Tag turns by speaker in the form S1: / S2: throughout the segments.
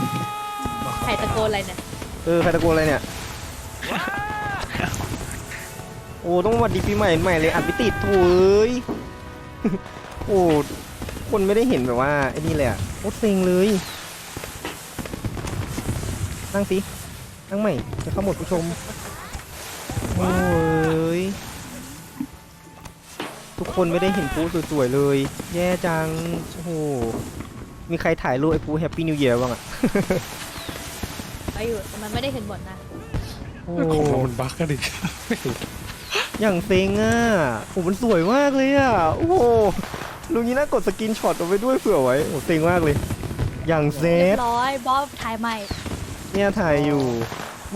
S1: ใครตะโกนอะไรเนี่ย
S2: ใครตะโกนอะไรเนี่ยโอ้ต้องสวัสดีปีใหม่ใหม่เลยอัดไม่ติดโถ่เอ้ยโอ้คนไม่ได้เห็นแบบว่าไอ้นี่เลยอ่ะโคตรเซ็งเลยนั่งสินั่งใหม่จะเข้าหมดผู้ชมโอ้ยทุกคนไม่ได้เห็นปูสวยๆเลยแย่จังโอ้โหมีใครถ่ายรูปไอ้ปูแฮปปี้นิวเยียร์บ้างอ่ะ
S1: ไปอยู่แต่มันไม่ได้เห็นบทนะ
S2: โอ้
S3: ของเรามันบั๊กกันดิ
S2: อย่างเซ็งอ่ะโอ้มันสวยมากเลยอ่ะโอ้โหลุงนี้น่ากดสกินช็อตเอาไว้ด้วยเผื่อไว้โอ้เซ็งมากเลยอย่างเซ
S1: เรีย
S2: ต
S1: บร้อยบอสถ่ายใหม่
S2: เนี่ยถ่ายอยู่โอ้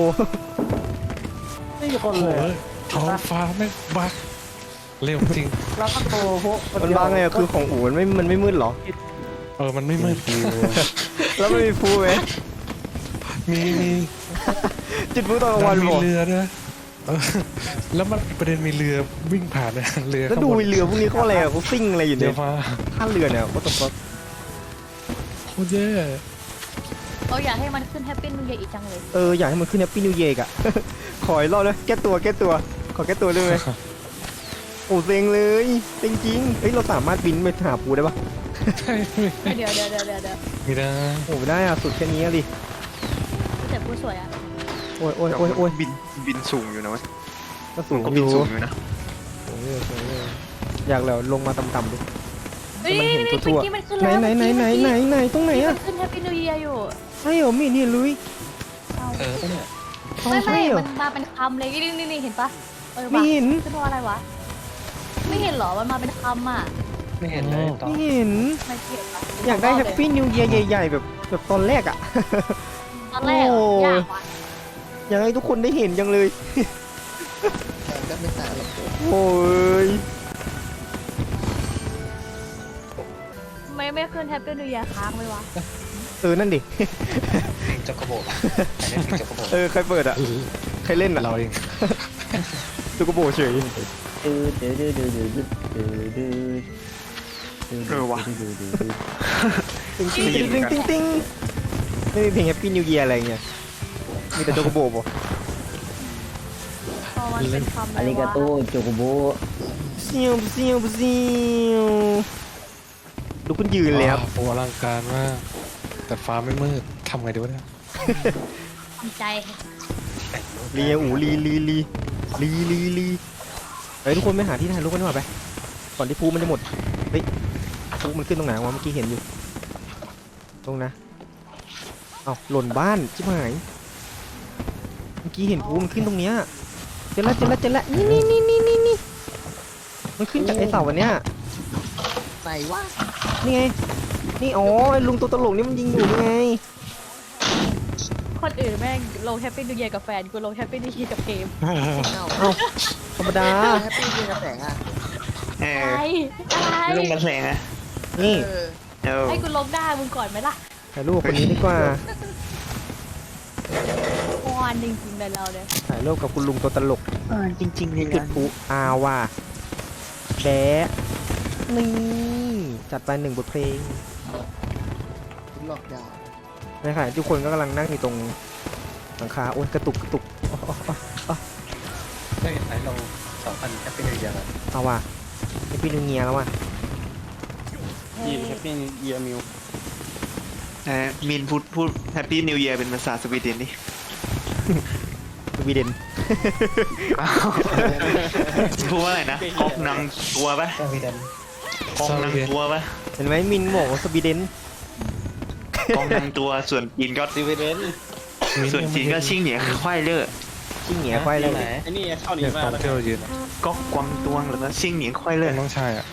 S4: ไม่มีคน
S3: โอ้โห
S4: เลย
S3: ท้องฟ้าไม่งบั๊กเร็วจริง
S4: แล้วก็โตพวก
S2: มันบางไงอะคือของอู๋มันไม่มืดเหรอ
S3: มันไม่มืด
S2: แล้วไม่มีฟูไหม
S3: มี
S2: จุดฟูตอนกลางวัน
S3: มี
S2: บอก
S3: เรือด้วยเออแล้วมันประเด็นมีเรือวิ่งผ่านเนี่ยเรือ
S2: แล้วดูเรือพวกนี้เขาอะไรอะเขาซิ่งอะไรอยู่
S3: เรื
S2: เนี่
S3: อย ฟ้า
S2: ท่าเรือเนี่ยก็ตก
S3: โคตรแย่
S1: เขาอยากให้มันขึ้นแฮปปี้นิวเยียร์อีกจังเลย
S2: อยากให้มันขึ้นแฮปปี้นิวเยียร์อะ ขออีกรอบเลยแก้ตัวขอแก้ตัวได้ไหมโอ้เซ็งเลยเซ็งจริงเฮ้ยเราสามารถบินไปหาปูได้ปะ
S3: ใช่
S1: เดี๋ยว
S3: มีนะ
S2: โอ้ไม่ได้อะสุดแค่นี้อะดิ
S1: แต่ผู้สวยอ่ะ
S2: โอ้ย
S5: บินสูงอยู่นะเว้ย
S2: ก็สูง
S5: ก็
S2: อ
S5: บิน
S2: ยู่
S5: สูงอยู่นะ
S2: อยากแล้วลงมาต่ำๆดิ
S1: เฮ้ย
S2: มันเห็น
S1: นี่
S2: ทั่วๆ
S1: เมื่อกี้มันขึ้นแล้ว
S2: ไหนตรงไหน
S1: มั
S2: อะ
S1: นขึ้นแฮปปี้นิวเยียร์อยู่
S2: ใช่เหรอไม่เห็นเลย
S1: เอา
S3: เนี่ย
S1: ไม่
S2: ใช่เหรอ
S1: มันมาเป็นคำเลยนี่เห็นปะ
S2: ไม่เห็น
S1: ขึ้นว่าอะไรวะไม่เห็นเหรอมันมาเป็นคำอ่ะ
S3: ไม่เห็นเลยต่อ
S2: ไม่เห็น
S1: ไม่เกี่ยวะ
S2: อยากได้แฮปปี้นิวเยียร์ใหญ่ๆแบบตอนแรกอะ
S1: ตอนแรกอะ
S2: โอ้
S1: ยากว่ะ
S2: อยากให้ทุกคนได้เห็นจังเลย
S4: ก็ไม่ต่างหรอก
S2: โอ้ย
S1: ไม่ขึ้นแฮปปี้นิวเยียร์ค้างไหมวะ
S2: นั่นดิ
S3: จักรโบกใครเล่นจักรโบก
S2: ใครเปิดอะใครเล่นอะ
S3: เราเอง
S2: ตุกโบเฉย
S5: ว่ะ
S2: ติ้งติ้งไม่มีเพลงแฮปปี้นิวเยียร์อะไรเงี้ยมีแต่โจโกโบบ่
S1: พอมันเป็นคำ
S4: อาริกาโตโจโกโบ
S2: เซียวดูคุณยืนเลยครับ
S3: โอ้อลังการมากแต่ฟ้าไม่มืดทำไงดีวะเนี่ย
S1: ทำใจ
S2: ลีอูลีเฮ้ยทุกคนไปหาที่ถ่ายรูปกันดีกว่าไปก่อนที่ภูมันจะหมดเฮ้ยภูมันขึ้นตรงไหนวะเมื่อกี้เห็นอยู่ตรงนะเอาหล่นบ้านชิบหายเมื่อกี้เห็นภูมันขึ้นตรงเนี้ยเจอละนี่มันขึ้นจากไอ้เสาวันเนี้ย
S4: ไหนวะ
S2: นี่ไงนี่อ๋อไอ้ลุงตัวตลกนี่มันยิงอยู่นี่ไง
S1: คนอื่นแม่งลงแฮปปี้นิวเยียร์กับแฟนกูลงแฮปปี้นิวเยียร์กับเกม
S4: เอ้า
S2: เอ้าธรรมดา
S4: แฮปปี้ยิงกระแสงอ่ะ
S5: เอ
S1: อะไร
S5: ลงกันแสงอะ
S2: นี่
S1: ให้กูลงได้มึงก่อนไหมล่ะ
S2: ถ่ายรูปกับคนนี้ดีกว่า
S1: วอนจริงๆเลยเราเนี่ย
S2: ถ่ายรูปกับคุณลุงตัวตลก
S5: จริงๆเลย
S2: จุดพลุว่าแบะนี่จัดไป1 บทเพลง
S4: หลอกยาว
S2: นะครับทุกคนก็กำลังนั่งอยู่ตรงหลังคาโอ้ยกระตุกอ๋อ
S3: ได้ไหนเรา2,000แอปเป็นอย่างไร
S2: เอาว่ะไอพี่นิวเงียแล้วว่ะ
S4: ยิงแฮปปี้เยียมิว
S5: มินพูดแฮปปี้นิวเยียร์เป็นภาษาสวีเดนดิ
S2: สวีเดน
S5: พูดว่าอะไรนะกอกนังตัวปะ
S3: สวีเดน
S5: กอกนังตัวปะ
S2: เห็นไหมมินบอกว่าสวีเดน
S5: กอกนังตัวส่วนจีนก็
S4: สวีเดน
S5: ส่วนจีนก็ชิ่งเหนียควายเล่อ
S2: ชิ่งเหนียควายเลย
S4: ไอ้นี่เข้า
S3: เนี่
S4: นี้
S3: ย
S4: มา
S3: ตอน
S4: แล้ว
S3: ที่เรายืน
S5: ก๊อกกวางตวงหรือว่าชิ่งเหนียควายเล่อ
S3: น้องชายอ่ะ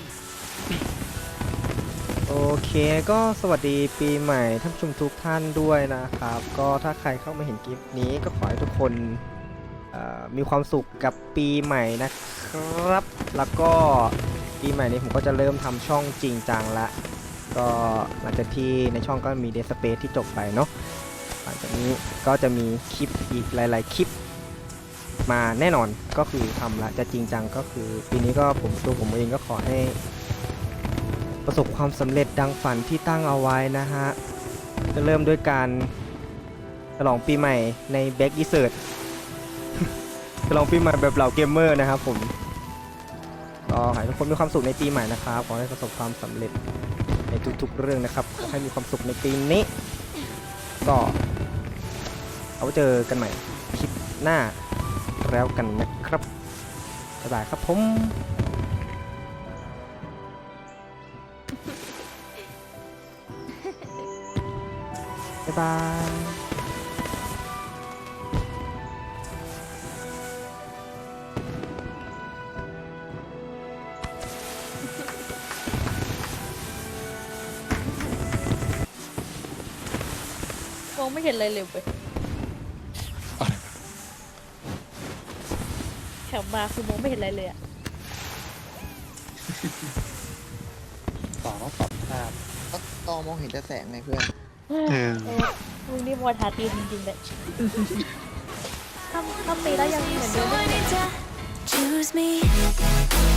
S2: โอเคก็สวัสดีปีใหม่ท่านผู้ชมทุกท่านด้วยนะครับ ก็ถ้าใครเข้ามาเห็นคลิปนี้ก็ขอให้ทุกคนมีความสุขกับปีใหม่นะครับ แล้วก็ปีใหม่นี้ผมก็จะเริ่มทำช่องจริงจังละก็หลังจากที่ในช่องก็มี Dead Space ที่จบไปเนาะหลังจากนี้ก็จะมีคลิปอีกหลายๆคลิปมาแน่นอนก็คือทำละจะจริงจังก็คือปีนี้ก็ตัวผมเองก็ขอให้ประสบความสำเร็จดังฝันที่ตั้งเอาไว้นะฮะจะเริ่มด้วยการฉลองปีใหม่ในแบ็กอีเซิร์ต ฉลองปีใหม่แบบเหล่าเกมเมอร์นะครับผมก็ขอให้ทุกคนมีความสุขในปีใหม่นะครับขอให้ประสบความสำเร็จในทุกๆเรื่องนะครับขอให้มีความสุขในปีนี้ก็เอาไว้เจอกันใหม่คลิปหน้าแล้วกันนะครับบ๊ายบายครับผมบ๊ายบาย
S1: มองไม่เห็นอะไรเลยเว้ยแถวมาคือมองไม่เห็นอะไรเลยอะ
S4: ต่อต้องปรับภาพ
S6: ก็ตอมองเห็นแต่แสงไงเพื่อน
S5: เออ
S1: มึงนี่มัวทาตีนจริงๆเลยถ้าตีแล้วยังเหมือนเดิม
S7: Choose me